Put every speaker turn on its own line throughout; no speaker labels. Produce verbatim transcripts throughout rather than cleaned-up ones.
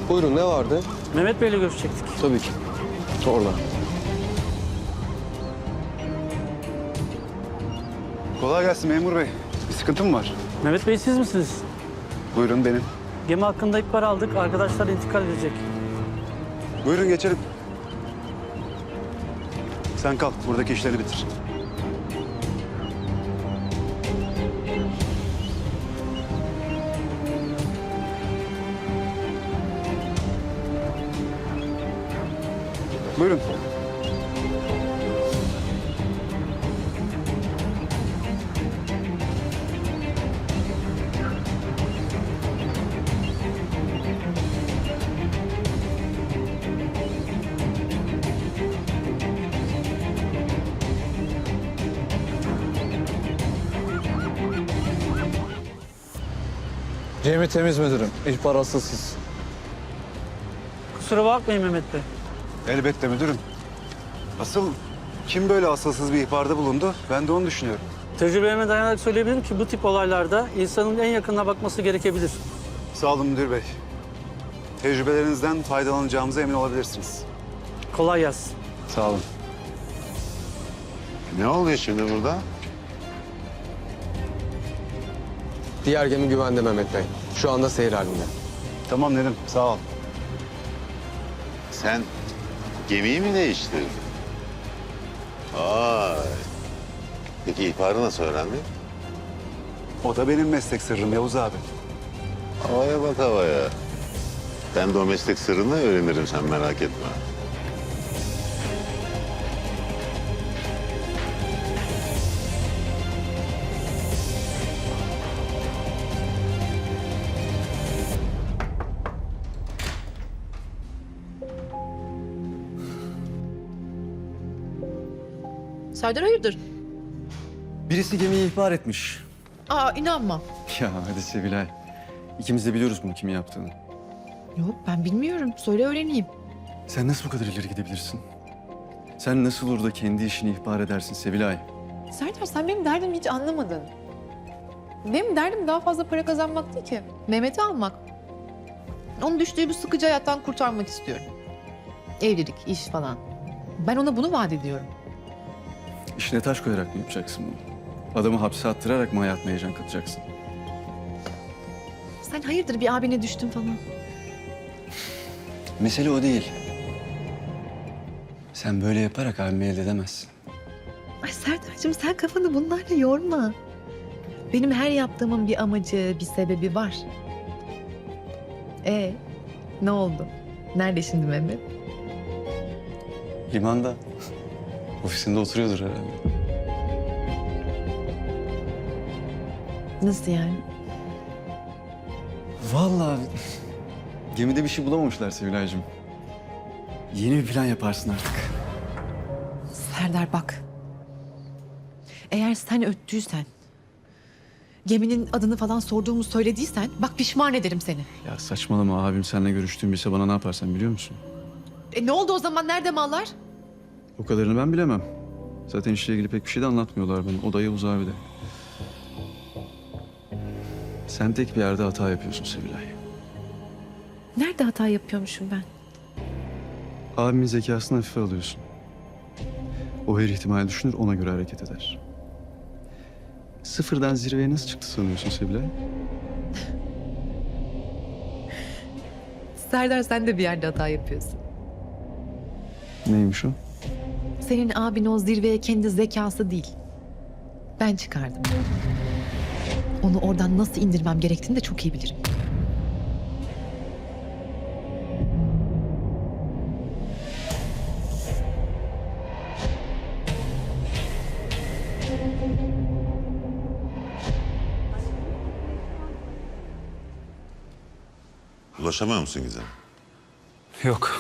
Buyurun, ne vardı?
Mehmet Bey'le görüşecektik.
Tabii ki. Orada.
Kolay gelsin memur bey. Bir sıkıntı mı var?
Mehmet Bey siz misiniz?
Buyurun benim.
Gemi hakkında ihbar aldık. Arkadaşlar intikal edecek.
Buyurun geçelim. Sen kal, buradaki işleri bitir. Buyurun.
Cem'i temiz müdürüm. İhbar asılsız.
Kusura bakmayın Mehmet Bey.
Elbette müdürüm. Asıl kim böyle asılsız bir ihbarda bulundu? Ben de onu düşünüyorum.
Tecrübelerime dayanarak söyleyebilirim ki bu tip olaylarda insanın en yakınına bakması gerekebilir.
Sağ olun müdür bey. Tecrübelerinizden faydalanacağımıza emin olabilirsiniz.
Kolay gelsin.
Sağ olun.
Ne oluyor şimdi burada?
Diğer gemi güvende Mehmet Bey. Şu anda seyir halinde.
Tamam Nedim, sağ ol.
Sen gemiyi mi değiştirdin? Vay. Peki ihbarı nasıl öğrendin?
O da benim meslek sırrım Yavuz abi.
Havaya bak havaya. Ben de o meslek sırrını öğrenirim, sen merak etme.
Serdar hayırdır?
Birisi gemiyi ihbar etmiş.
Aa inanmam.
Ya hadi Sevilay. İkimiz de biliyoruz bunu kimin yaptığını.
Yok ben bilmiyorum. Söyle öğreneyim.
Sen nasıl bu kadar ileri gidebilirsin? Sen nasıl olur da kendi işini ihbar edersin Sevilay?
Serdar sen benim derdimi hiç anlamadın. Benim derdim daha fazla para kazanmak değil ki. Mehmet'i almak. Onu düştüğü bu sıkıcı hayattan kurtarmak istiyorum. Evlilik, iş falan. Ben ona bunu vaat ediyorum.
İşine taş koyarak mı yapacaksın bunu? Adamı hapse attırarak mı hayatına heyecan katacaksın?
Sen hayırdır bir abine düştün falan.
Mesele o değil. Sen böyle yaparak abimi elde edemezsin.
Ay Serdar'cığım sen kafanı bunlarla yorma. Benim her yaptığımın bir amacı, bir sebebi var. Ee, ne oldu? Nerede şimdi Mehmet?
Limanda. Ofisinde oturuyordur herhalde.
Nasıl yani?
Vallahi gemide bir şey bulamamışlar Sevilay'cığım. Yeni bir plan yaparsın artık.
Serdar bak. Eğer sen öttüysen, geminin adını falan sorduğumu söylediysen bak pişman ederim seni.
Ya saçmalama, abim seninle görüştüğüm bilse bana ne yaparsan biliyor musun?
E ne oldu o zaman? Nerede mallar?
O kadarını ben bilemem. Zaten işle ilgili pek bir şey de anlatmıyorlar bana. O da Yavuz abi de. Sen tek bir yerde hata yapıyorsun Sevilay.
Nerede hata yapıyormuşum ben?
Abimin zekasını hafife alıyorsun. O her ihtimali düşünür, ona göre hareket eder. Sıfırdan zirveye nasıl çıktı sanıyorsun Sevilay?
Serdar sen de bir yerde hata yapıyorsun.
Neymiş o?
Senin abin o zirveye kendi zekası değil. Ben çıkardım. Onu oradan nasıl indirmem gerektiğini de çok iyi bilirim.
Ulaşamıyor musun Gizem?
Yok.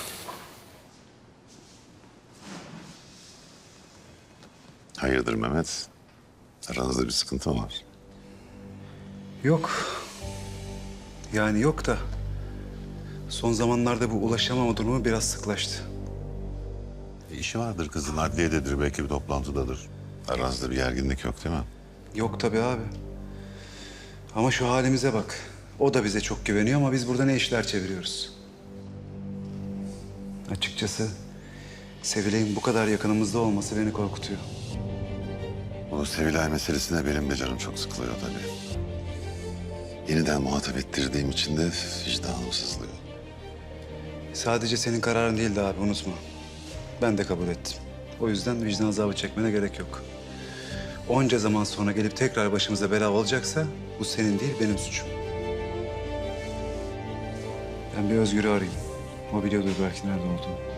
Hayırdır Mehmet? Aranızda bir sıkıntı mı var?
Yok. Yani yok da son zamanlarda bu ulaşamama durumu biraz sıklaştı.
E, işi vardır kızın, adliyededir, belki bir toplantıdadır. Aranızda bir gerginlik yok değil mi?
Yok tabii abi. Ama şu halimize bak. O da bize çok güveniyor ama biz burada ne işler çeviriyoruz. Açıkçası Sevilay'ın bu kadar yakınımızda olması beni korkutuyor.
Bu Sevilay meselesine benim de canım çok sıkılıyor tabii. Yeniden muhatap ettirdiğim için de vicdanım sızlıyor.
Sadece senin kararın değildi abi, unutma. Ben de kabul ettim. O yüzden vicdan azabı çekmene gerek yok. Onca zaman sonra gelip tekrar başımıza bela olacaksa bu senin değil, benim suçum. Ben bir Özgür'ü arayayım. O biliyordur belki nerede olduğunu.